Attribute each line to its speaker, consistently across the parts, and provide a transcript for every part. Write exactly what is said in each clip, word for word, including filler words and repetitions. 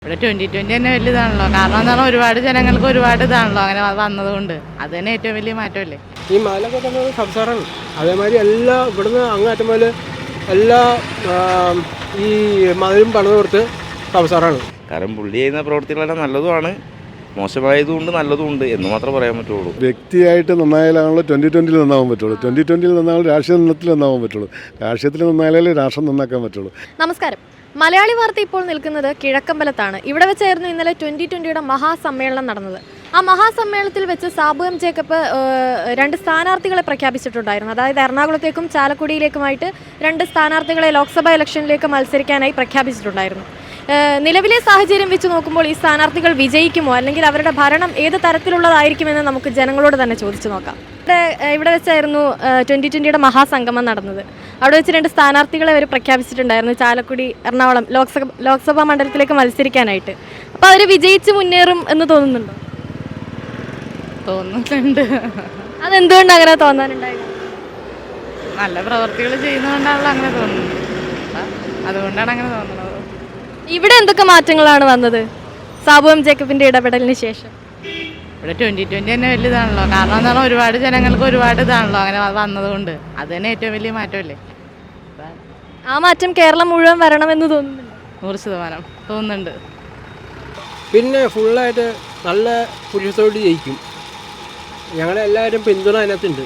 Speaker 1: ഇവിടെ twenty twenty തന്നെ വലിയ ഇതാണല്ലോ. കാരണം എന്താണ്, ഒരുപാട് ജനങ്ങൾക്ക് ഒരുപാട് ഇതാണല്ലോ അങ്ങനെ വന്നതുകൊണ്ട്. അത് തന്നെ ഏറ്റവും വലിയ മാറ്റമല്ലേ.
Speaker 2: ഈ മലയൊക്കെ തന്നെ സംസാരമാണ്. അതേമാതിരി എല്ലാ ഇവിടുന്ന് അങ്ങാറ്റം പോലെ എല്ലാ ഈ മതിലും പണിത് കൊടുത്ത് സംസാരമാണ്.
Speaker 3: കാരണം പുള്ളി ചെയ്യുന്ന പ്രവൃത്തികളെല്ലാം നല്ലതുമാണ്, മോശമായതുകൊണ്ട് നല്ലതുമുണ്ട് എന്ന് മാത്രമേ പറയാൻ പറ്റുള്ളൂ.
Speaker 4: വ്യക്തിയായിട്ട് നന്നായാലാണല്ലോ ട്വൻറ്റി ട്വൻറ്റിയിൽ നന്നാവാൻ പറ്റുള്ളൂ. ട്വൻറ്റി ട്വൻറ്റിയിൽ നന്നാവും രാഷ്ട്രീയ നിന്നത്തിൽ നന്നാവാൻ പറ്റുള്ളൂ. രാഷ്ട്രീയത്തിൽ നന്നായാലേ രാഷ്ട്രം നന്നാക്കാൻ പറ്റുള്ളൂ.
Speaker 5: നമസ്കാരം. മലയാളി വാർത്ത ഇപ്പോൾ നിൽക്കുന്നത് കിഴക്കമ്പലത്താണ്. ഇവിടെ വെച്ചായിരുന്നു ഇന്നലെ ട്വൻ്റി ട്വൻ്റിയുടെ മഹാസമ്മേളനം നടന്നത്. ആ മഹാസമ്മേളനത്തിൽ വെച്ച് സാബു എം ജേക്കബ് രണ്ട് സ്ഥാനാർത്ഥികളെ പ്രഖ്യാപിച്ചിട്ടുണ്ടായിരുന്നു. അതായത് എറണാകുളത്തേക്കും ചാലക്കുടിയിലേക്കുമായിട്ട് രണ്ട് സ്ഥാനാർത്ഥികളെ ലോക്സഭാ ഇലക്ഷനിലേക്ക് മത്സരിക്കാനായി പ്രഖ്യാപിച്ചിട്ടുണ്ടായിരുന്നു. നിലവിലെ സാഹചര്യം വെച്ച് നോക്കുമ്പോൾ ഈ സ്ഥാനാർത്ഥികൾ വിജയിക്കുമോ, അല്ലെങ്കിൽ അവരുടെ ഭരണം ഏത് തരത്തിലുള്ളതായിരിക്കുമെന്ന് നമുക്ക് ജനങ്ങളോട് തന്നെ ചോദിച്ചു നോക്കാം. ഇവിടെ ഇവിടെ വെച്ചായിരുന്നു ട്വൻ്റി ട്വൻ്റിയുടെ മഹാസംഗമം നടന്നത്. അവിടെ വെച്ച് രണ്ട് സ്ഥാനാർത്ഥികളെ അവർ പ്രഖ്യാപിച്ചിട്ടുണ്ടായിരുന്നു, ചാലക്കുടി എറണാകുളം ലോക്സഭ ലോക്സഭാ മണ്ഡലത്തിലേക്ക് മത്സരിക്കാനായിട്ട്. അപ്പോൾ അവർ വിജയിച്ച് മുന്നേറും എന്ന് തോന്നുന്നുണ്ടോ?
Speaker 1: തോന്നുന്നുണ്ട്.
Speaker 5: അതെന്തുകൊണ്ട് അങ്ങനെ തോന്നാനുണ്ടായത്?
Speaker 1: നല്ല പ്രവർത്തികൾ ചെയ്യുന്നതുകൊണ്ടാണല്ലോ അങ്ങനെ തോന്നുന്നത്. അതുകൊണ്ടാണ് അങ്ങനെ തോന്നുന്നത്.
Speaker 5: ഇവിടെ എന്തൊക്കെ മാറ്റങ്ങളാണ് വന്നത് സാബു എം ജേക്കബിൻ്റെ ഇടപെടലിന് ശേഷം?
Speaker 1: ഇവിടെ ട്വൻറ്റി ട്വൻറ്റി തന്നെ വലിയ ഇതാണല്ലോ. കാരണം എന്താണ്, ഒരുപാട് ജനങ്ങൾക്ക് ഒരുപാട് ഇതാണല്ലോ അങ്ങനെ വന്നതുകൊണ്ട്. അത് തന്നെ ഏറ്റവും വലിയ മാറ്റമല്ലേ.
Speaker 5: ആ മാറ്റം കേരളം മുഴുവൻ വരണമെന്ന് തോന്നുന്നുണ്ട്.
Speaker 1: നൂറ് ശതമാനം തോന്നുന്നുണ്ട്.
Speaker 2: പിന്നെ ഫുള്ളായിട്ട് നല്ല പുരുഷത്തോട് ജയിക്കും. ഞങ്ങളെല്ലാവരും പിന്തുണ അതിനകത്തുണ്ട്.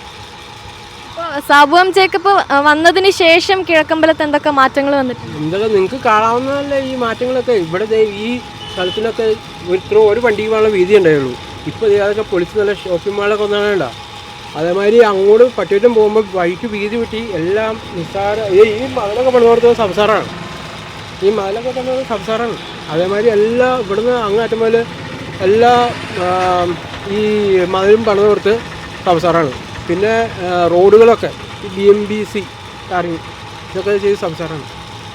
Speaker 5: സാബു എം ജേക്കബ് വന്നതിന് ശേഷം കിഴക്കമ്പലത്ത് എന്തൊക്കെ മാറ്റങ്ങൾ വന്നിട്ടുണ്ട്?
Speaker 2: എന്തൊക്കെ നിങ്ങൾക്ക് കാണാവുന്നതല്ലേ ഈ മാറ്റങ്ങളൊക്കെ. ഇവിടെ ഈ സ്ഥലത്തിനൊക്കെ ഇത്ര ഒരു വണ്ടിക്ക് പോകാനുള്ള വീതി ഉണ്ടായുള്ളൂ. ഇപ്പോൾ അതൊക്കെ പൊളിച്ച് നല്ല ഷോപ്പിംഗ് മാളൊക്കെ ഒന്നാണ്. അതേമാതിരി അങ്ങോട്ട് പട്ടിയിട്ടും പോകുമ്പോൾ വഴിക്ക് വീതി കിട്ടി എല്ലാം നിസ്സാര. ഈ മതിലൊക്കെ പണിതോർത്ത സംസാരമാണ്. ഈ മതിലൊക്കെ തന്നെ സംസാരമാണ്. അതേമാതിരി എല്ലാ ഇവിടുന്ന് അങ്ങാറ്റം പോലെ എല്ലാ ഈ മതിലും പണിതോർത്ത് സംസാരമാണ്. പിന്നെ റോഡുകളൊക്കെ B M B C tarring ഇതൊക്കെ ചെയ്ത് സംസാരമാണ്.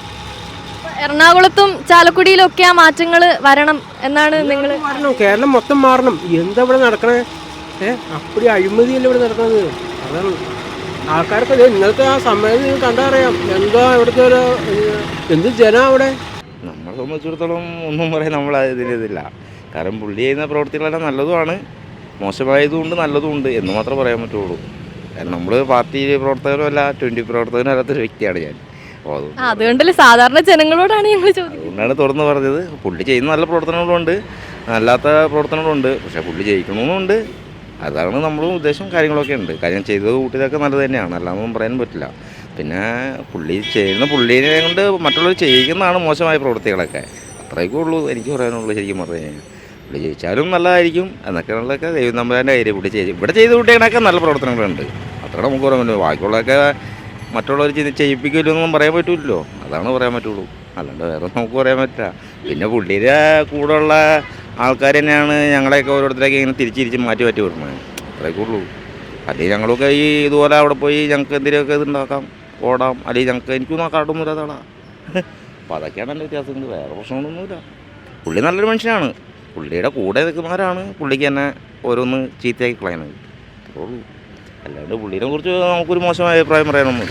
Speaker 5: എറണാകുളത്തും ചാലക്കുടിയിലും ഒക്കെ ആ മാറ്റങ്ങൾ വരണം എന്നാണ് നിങ്ങൾ?
Speaker 2: മാറണം, കേരളം മൊത്തം മാറണം. എന്താ ഇവിടെ നടക്കണേ? ഏഹ് അപ്പടി അഴിമതിയല്ലേ ഇവിടെ നടക്കുന്നത്. അതാണ് ആൾക്കാർക്ക് ഇന്നത്തെ ആ സമയം നിങ്ങൾ കണ്ടാ അറിയാം എന്താ ഇവിടുത്തെ ഒരു എന്ത് ജനം അവിടെ.
Speaker 3: നമ്മളെ സംബന്ധിച്ചിടത്തോളം ഒന്നും പറയാൻ നമ്മൾ ഇതിലിതില്ല. കാരണം പുള്ളി ചെയ്യുന്ന പ്രവൃത്തികളെല്ലാം നല്ലതുമാണ്, മോശമായതുകൊണ്ട് നല്ലതുമുണ്ട് എന്ന് മാത്രമേ പറയാൻ പറ്റുള്ളൂ. കാരണം നമ്മൾ പാർട്ടി പ്രവർത്തകനും അല്ല, ട്വൻറ്റി പ്രവർത്തകനും അല്ലാത്തൊരു വ്യക്തിയാണ് ഞാൻ. അപ്പോൾ
Speaker 5: അതുകൊണ്ടല്ലേ സാധാരണ ജനങ്ങളോടാണ് ഞങ്ങൾ ചോദിക്കുന്നത്.
Speaker 3: അതുകൊണ്ടാണ് തുറന്ന് പറഞ്ഞത്. പുള്ളി ചെയ്യുന്ന നല്ല പ്രവർത്തനങ്ങളുണ്ട്, അല്ലാത്ത പ്രവർത്തനങ്ങളുണ്ട്. പക്ഷേ പുള്ളി ജയിക്കണമെന്നുണ്ട്. അതാണ് നമ്മളും ഉദ്ദേശം. കാര്യങ്ങളൊക്കെ ഉണ്ട്. കാര്യം ചെയ്തത് കൂട്ടിയതൊക്കെ നല്ലത് തന്നെയാണ്, അല്ലാതൊന്നും പറയാനും പറ്റില്ല. പിന്നെ പുള്ളി ചെയ്യുന്ന പുള്ളീനെ കൊണ്ട് മറ്റുള്ളവർ ചെയ്യിക്കുന്നതാണ് മോശമായ പ്രവൃത്തികളൊക്കെ. അത്രയൊക്കെ ഉള്ളൂ എനിക്ക് പറയാനുള്ളൂ. ശരിക്കും പറഞ്ഞു കഴിഞ്ഞാൽ പുള്ളി ജയിച്ചാലും നല്ലതായിരിക്കും എന്നൊക്കെയുള്ളതൊക്കെ ദൈവം തമ്പുരാൻ്റെ കാര്യം. പുള്ളി ചെയ്ത് ഇവിടെ ചെയ്ത് കൂട്ടിയതിനൊക്കെ നല്ല പ്രവർത്തനങ്ങളുണ്ട്. അത്ര നമുക്ക് പറയാൻ പറ്റുള്ളൂ. ബാക്കിയുള്ളതൊക്കെ മറ്റുള്ളവർ ചെയ്യിപ്പിക്കില്ലെന്നൊന്നും പറയാൻ പറ്റില്ലല്ലോ. അതാണ് പറയാൻ പറ്റുള്ളൂ, അല്ലാണ്ട് വേറെ നമുക്ക് പറയാൻ പറ്റില്ല. പിന്നെ പുള്ളിയുടെ കൂടെ ഉള്ള ആൾക്കാർ തന്നെയാണ് ഞങ്ങളെയൊക്കെ ഓരോരുത്തരൊക്കെ ഇങ്ങനെ തിരിച്ച് തിരിച്ച് മാറ്റി മാറ്റി വിടുന്നത്. അത്രയൊക്കെ ഉള്ളൂ. അല്ലെങ്കിൽ ഞങ്ങളൊക്കെ ഈ ഇതുപോലെ അവിടെ പോയി ഞങ്ങൾക്ക് എന്തെങ്കിലുമൊക്കെ ഇതുണ്ടാക്കാം, ഓടാം. അല്ലെങ്കിൽ ഞങ്ങൾക്ക് എനിക്കൊന്നും ആ കാർഡൊന്നുമില്ല അതാണ്. അപ്പോൾ അതൊക്കെയാണ് എൻ്റെ വ്യത്യാസങ്ങൾ. വേറെ പ്രശ്നങ്ങളൊന്നുമില്ല. പുള്ളി നല്ലൊരു മനുഷ്യനാണ്. പുള്ളിയുടെ കൂടെ നിൽക്കുന്നവരാണ് പുള്ളിക്ക് തന്നെ ഓരോന്ന് ചീത്തയാക്കി കളയുന്നത്. അത്രേ ഉള്ളൂ. അല്ലാണ്ട് പുള്ളിനെ കുറിച്ച് നമുക്കൊരു മോശമായ അഭിപ്രായം പറയാനൊന്നുമില്ല.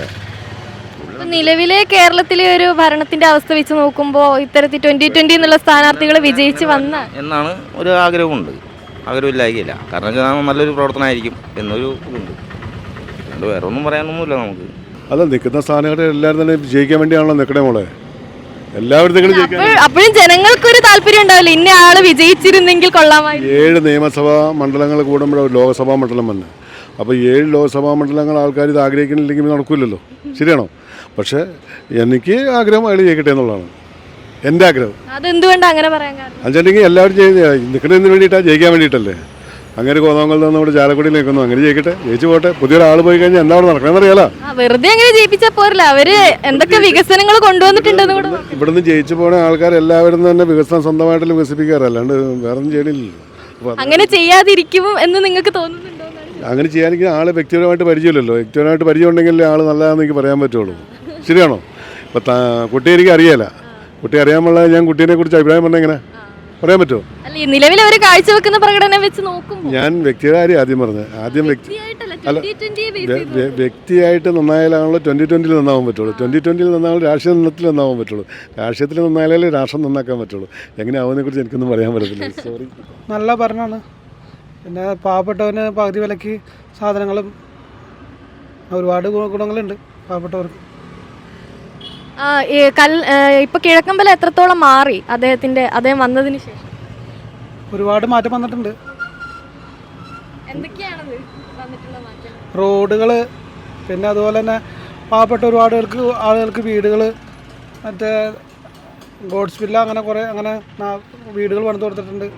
Speaker 5: നിലവിലെ കേരളത്തിലെ ഒരു ഭരണത്തിന്റെ അവസ്ഥ വെച്ച് നോക്കുമ്പോൾ ഇത്തരത്തിൽ ട്വന്റി ട്വന്റി എന്നുള്ള സ്ഥാനാർത്ഥികൾ വിജയിച്ച് വന്ന
Speaker 3: എന്നാണ് ഒരു ആഗ്രഹമുണ്ട്. ആഗ്രഹമില്ലായിരിക്കില്ല. കാരണം വെച്ചാൽ നല്ലൊരു പ്രവർത്തനമായിരിക്കും എന്നൊരു ഇതുണ്ട്. അതുകൊണ്ട് വേറെ ഒന്നും പറയാനൊന്നുമില്ല നമുക്ക്.
Speaker 4: അല്ല, നിൽക്കുന്ന സ്ഥാനാർത്ഥി എല്ലാവരും തന്നെ ജയിക്കാൻ വേണ്ടിയാണല്ലോ നിൽക്കണേ മോളെ. എല്ലാവരും
Speaker 5: അപ്പോഴും ജനങ്ങൾക്കൊരു താല്പര്യം ഉണ്ടാവില്ല, ഇന്ന ആള് വിജയിച്ചിരുന്നെങ്കിൽ കൊള്ളാമായി.
Speaker 4: ഏഴ് നിയമസഭാ മണ്ഡലങ്ങൾ കൂടുമ്പോഴാണ് ലോക്സഭാ മണ്ഡലം വന്നത്. അപ്പോൾ ഏഴ് ലോക്സഭാ മണ്ഡലങ്ങൾ ആൾക്കാർ ഇത് ആഗ്രഹിക്കുന്നില്ലെങ്കിൽ നടക്കില്ലല്ലോ. ശരിയാണോ? പക്ഷേ എനിക്ക് ആഗ്രഹം അയാൾ ജയിക്കട്ടെ എന്നുള്ളതാണ് എൻ്റെ ആഗ്രഹം.
Speaker 5: അതെന്തുകൊണ്ടാണ് അങ്ങനെ പറയാൻ കാരണം?
Speaker 4: അതെങ്കിൽ എല്ലാവരും നിൽക്കുന്നതിന് വേണ്ടിയിട്ടാണ്, ജയിക്കാൻ വേണ്ടിയിട്ടല്ലേ. അങ്ങനെ കോതമംഗലത്ത് നിന്ന് നമ്മുടെ ചാലക്കുടിയിൽ നിൽക്കുന്നു. അങ്ങനെ ജയിക്കട്ടെ, ജയിച്ചു പോട്ടെ. പുതിയൊരാൾ പോയി കഴിഞ്ഞാൽ എന്താ അവിടെ നടക്കണമെന്ന് അറിയാലോ.
Speaker 5: വെറുതെ അങ്ങനെ ജയിപ്പിച്ചാൽ പോരല്ല. അവര് എന്തൊക്കെ വികസനങ്ങൾ കൊണ്ടുവന്നിട്ടുണ്ടെന്ന് കൂടെ.
Speaker 4: ഇവിടുന്ന് ജയിച്ചു പോണ ആൾക്കാർ എല്ലാവരും തന്നെ വികസനം സ്വന്തമായിട്ട് വികസിപ്പിക്കാറല്ലാണ്ട് വേറെ ഒന്നും ചെയ്യണില്ലല്ലോ.
Speaker 5: അങ്ങനെ ചെയ്യാതിരിക്കും എന്ന് നിങ്ങൾക്ക് തോന്നുന്നുണ്ടോ?
Speaker 4: അങ്ങനെ ചെയ്യാനെങ്കിൽ ആളെ വ്യക്തിപരമായിട്ട് പരിചയമില്ലല്ലോ. വ്യക്തിപരമായിട്ട് പരിചയം ഉണ്ടെങ്കിൽ ആൾ നല്ലതാണെന്ന് എനിക്ക് പറയാൻ പറ്റുള്ളൂ. ശരിയാണോ? ഇപ്പം കുട്ടിയെ എനിക്ക് അറിയാല. കുട്ടി അറിയാമുള്ള ഞാൻ കുട്ടീനെ കുറിച്ച് അഭിപ്രായം പറഞ്ഞാൽ എങ്ങനെ പറയാൻ പറ്റുമോ?
Speaker 5: അല്ല ഈ നിലവിൽ അവർ കാഴ്ചവെക്കുന്ന പ്രകടനം വെച്ച് നോക്കുമ്പോൾ
Speaker 4: ഞാൻ വ്യക്തിയുടെ കാര്യം ആദ്യം പറഞ്ഞത്. ആദ്യം വ്യക്തി അല്ല വ്യ- വ്യക്തിയായിട്ട് നന്നായാലാണല്ലോ ട്വൻറ്റി ട്വൻറ്റിയിൽ നന്നാവാൻ പറ്റുള്ളൂ. ട്വൻറ്റി ട്വൻറ്റിയിൽ നന്നാവും രാഷ്ട്രീയ നിന്നത്തിൽ നന്നാവാൻ പറ്റുള്ളൂ. രാഷ്ട്രീയത്തിൽ നന്നായാലേ രാഷ്ട്രം നന്നാക്കാൻ പറ്റുള്ളൂ. എങ്ങനെ ആവുന്നതിനെക്കുറിച്ച് എനിക്കൊന്നും പറയാൻ പറ്റത്തില്ല. സോറി.
Speaker 6: നല്ല ഭരണമാണ്. പിന്നെ പാവപ്പെട്ടവന് പകുതി വിലയ്ക്ക് സാധനങ്ങളും ഒരുപാട് ഗുണ- ഗുണങ്ങളുണ്ട് പാവപ്പെട്ടവർക്ക്.
Speaker 5: ആ, ഈ കൽ ഇപ്പൊ കിഴക്കമ്പലം എത്രത്തോളം മാറി അദ്ദേഹത്തിന്റെ അദ്ദേഹം വന്നതിന് ശേഷം?
Speaker 6: ഒരുപാട് മാറ്റം വന്നിട്ടുണ്ട്.
Speaker 5: എന്തൊക്കെയാണത് വന്നിട്ടുള്ള മാറ്റം?
Speaker 6: റോഡുകൾ, പിന്നെ അതുപോലെ തന്നെ പാവപ്പെട്ട ഒരുപാട് പേർക്ക് ആളുകൾക്ക് വീടുകൾ, മറ്റേ ഗോഡ്സ് വില്ല, അങ്ങനെ കുറേ അങ്ങനെ നാ- വീടുകൾ പണിത് കൊടുത്തിട്ടുണ്ട്.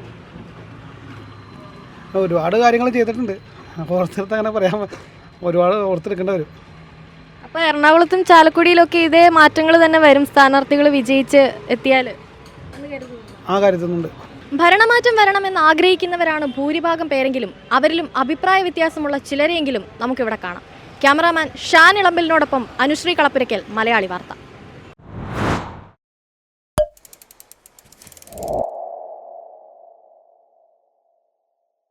Speaker 6: ഒരുപാട് കാര്യങ്ങൾ ചെയ്തിട്ടുണ്ട്. ഓർത്തിടത്ത് അങ്ങനെ പറയാൻ ഒരുപാട് ഓർത്തെടുക്കേണ്ടി വരും.
Speaker 5: അപ്പൊ എറണാകുളത്തും ചാലക്കുടിയിലൊക്കെ ഇതേ മാറ്റങ്ങൾ തന്നെ വരും സ്ഥാനാർത്ഥികൾ വിജയിച്ച് എത്തിയാൽ എന്ന് കരുതുന്നു.
Speaker 6: ആ കാര്യത്തിനുണ്ട്.
Speaker 5: ഭരണമാറ്റം വരണമെന്ന് ആഗ്രഹിക്കുന്നവരാണ് ഭൂരിഭാഗം പേരെങ്കിലും അവരിലും അഭിപ്രായ വ്യത്യാസമുള്ള ചിലരെയെങ്കിലും നമുക്കിവിടെ കാണാം. ക്യാമറാമാൻ ഷാൻ ഇളമ്പലിനോടൊപ്പം അനുശ്രീ കളപ്പുരയ്ക്കൽ, മലയാളി വാർത്ത.